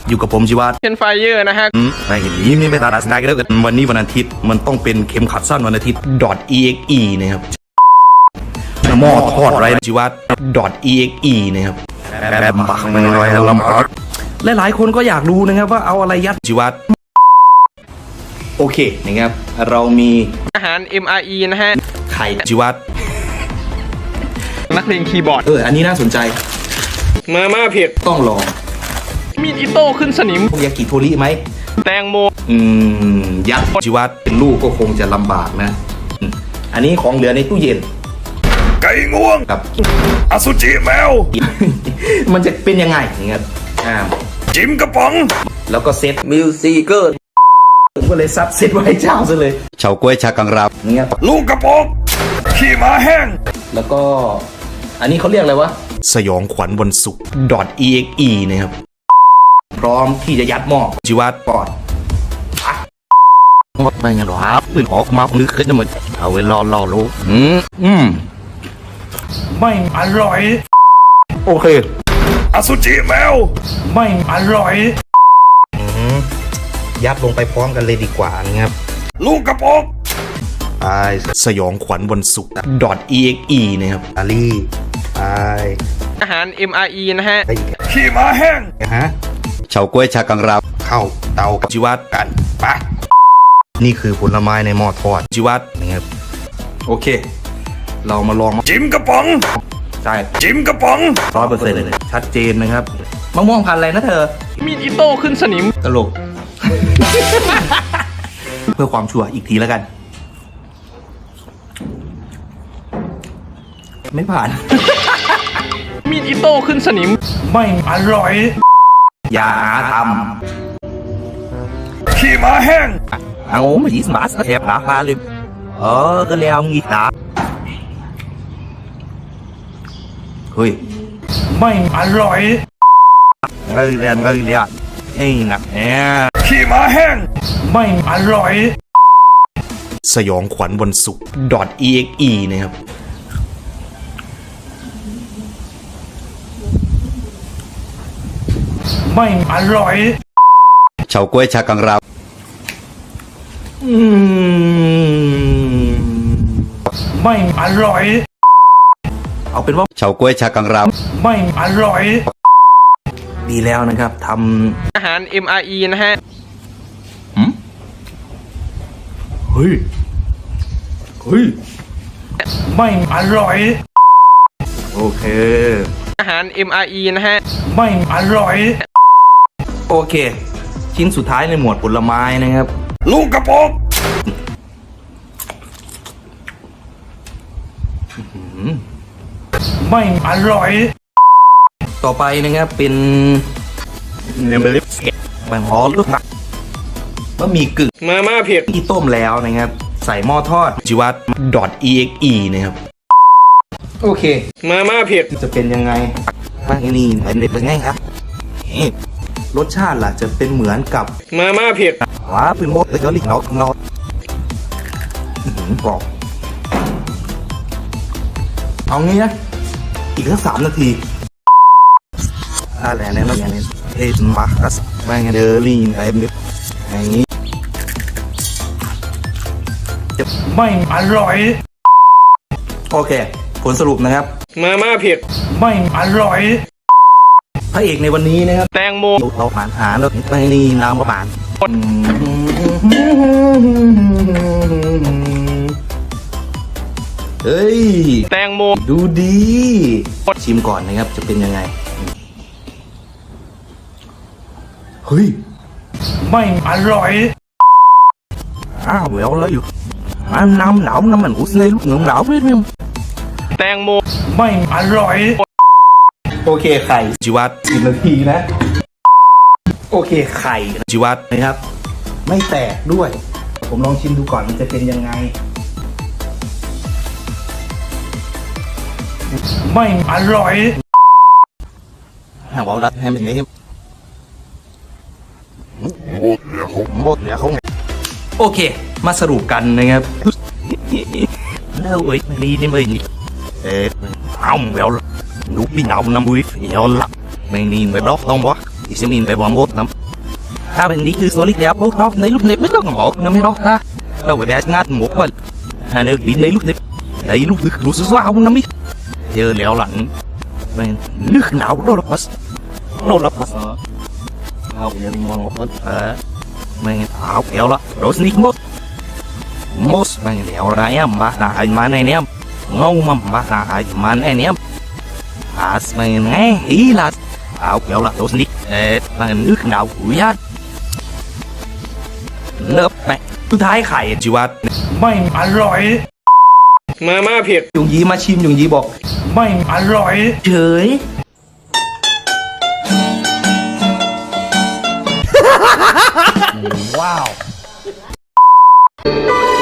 อยู่กับผมชีวัตเป็นไฟเยอร์นะฮะไม่เห็นนี้ไม่ตาดัสได้ก็ได้วันนี้วันอาทิตย์มันต้องเป็นเข็มขัดสั้นวันอาทิตย์ .exe นะครับหม้อทอดไรชีวัต .exe นะครับแบบบักมันลอยลำบากหลายๆคนก็อยากรู้นะครับว่าเอาอะไรยัดชีวัตโอเคนะครับเรามีอาหาร MRE นะฮะไข่ชีวัตนักเลงคีย์บอร์ดอันนี้น่าสนใจมาม่าเผ็ดต้องลองมีดอิโต้ขึ้นสนิมยากิโทริไหมแตงโมยัดชีวัตเป็นลูกก็คงจะลำบากนะอันนี้ของเหลือในตู้เย็นไก่ง่วงครับอสุจิแมวมันจะเป็นยังไงอย่างเงี้ยจิมกระป๋องแล้วก็เซตมิวสิเกอร์ผมก็เลยซัดเซตไว้ให้เจ้าซะเลยเฉาก้วยชากังรับเงี้ยลูกกระป๋องขี้ม้าแห้งแล้วก็อันนี้เขาเรียกอะไรวะสยองขวัญวันศุกร์ .exe นะครับพร้อมที่จะยัดหม้อชีวัตปอดไม่งั้นหรอครับปืนออกมาลึกขึ้นจะเหมือนเอาไว้รอรู้ไม่อร่อยโอเคอสุจิแมวไม่อร่อยยัดลงไปพร้อมกันเลยดีกว่านะครับลูกกระป๋องสยองขวัญวันศุกร์ .exe นะครับอาลีอาหาร MRE นะฮะขี้ม้าแห้งเฉาก้วยชากังรับเข้าเตากับชีวัตกันปะนี่คือผลไม้ในหม้อทอดชีวัตนะครับโอเคเรามาลองจิมกระป๋องใช่จิมกระป๋อง 100%เลยชัดเจนนะครับมะม่วงพันธุ์อะไรนะเธอมีดอิโต้ขึ้นสนิมตลก เพื่อความชัวร์อีกทีแล้วกันไม่ผ่านมีดอิโต้ขึ้นสนิมไม่อร่อยอย่าหาทำขี้ม้าแห้งเอาไม่ยิสมาสแอบหนาพาเลยก็แล้วงี้นะเฮ้ยไม่อร่อยเรียนไอ้หนักแน่ขี้ม้าแห้งไม่อร่อยสยองขวัญวันศุกร์ .exe นะครับไม่อร่อยเฉาก้วยชากังรับไม่อร่อยเอาเป็นว่าเฉาก้วยชากังรับไม่อร่อยดีแล้วนะครับทำอาหาร MRE นะฮะเฮ้ยไม่อร่อยโอเคอาหาร MRE นะฮะไม่อร่อยโอเคชิ้นสุดท้ายในหมวดผลไม้นะครับลูกกระป๋องไม่อร่อยต่อไปนะครับเป็นบางฮอลูกตักบะหมี่กึ่งมาม่าเผ็ดที่ต้มแล้วนะครับใส่หม้อทอดชีวัต .exe นะครับโอเคมาม่าเผ็ดจะเป็นยังไงบ้างนี่เป็นไงครับรสชาติล่ะจะเป็นเหมือนกับมาม่าเผ็ดว้าเป็นมดเลยก็ลิกเนาบอกเอางี้นะอีกแค่3 นาทีอะไรเนี่ยเราอย่างนี้มาร์คัสแมงเดอร์ลีนอะไรแบบนี้ไม่อร่อยโอเคผลสรุปนะครับมาม่าเผ็ดไม่อร่อยพระเอกในวันนี้นะครับแตงโมเราผ่านหาแล้วไม่นี่น้ำผ่านเฮ้ยแตงโมดูดีชิมก่อนนะครับจะเป็นยังไงเฮ้ยไม่อร่อยเวลแล้วอยู่น้ำหนาวน้ำมันอุ่นเลยลูกเหงือกหนาวไม่รู้แตงโมไม่อร่อยโอเคไข่ชีวัต10 นาทีนะโอเคไข่ชีวัตนะครับไม่แตกด้วยผมลองชิมดูก่อนมันจะเป็นยังไงไม่อร่อยบอกรัดให้มันนี้หมดเนี่ยเขาโอเคมาสรุปกันนะครับเลิกไว้ดีนี่มึงเอาแล้วลูกพี่หนาวน้ำบุ้ยเอาละไม่นี่ไม่รอกต้องวะ thì sẽ nhìn về vòng một lắm ta bên đi từ số lịch đẹp bố nó lấy lúc nếp mới có ngỏ nó mới đó ta đâu phải bé ngát một phần hà nơi bị lấy lúc nếp lấy lúc nước lúa xóa không nó biết giờ lẹo lạnh nước nào đâu là bớt không giờ đi ngon một bớt mày áo kéo đó đổ sneak mốt mày lẹo ra em ba ta anh mà này em ngon mà ba ta anh mà này em mày nghe ý là áo kéo là đổ sneak mà nước nào cũng nhát lớp mẹ tôi tháiไข่ ชีวัตไม่อร่อยมาม่าเผ็ดยงยีมาชิมยงยีบอกไม่อร่อยเฉยว้าว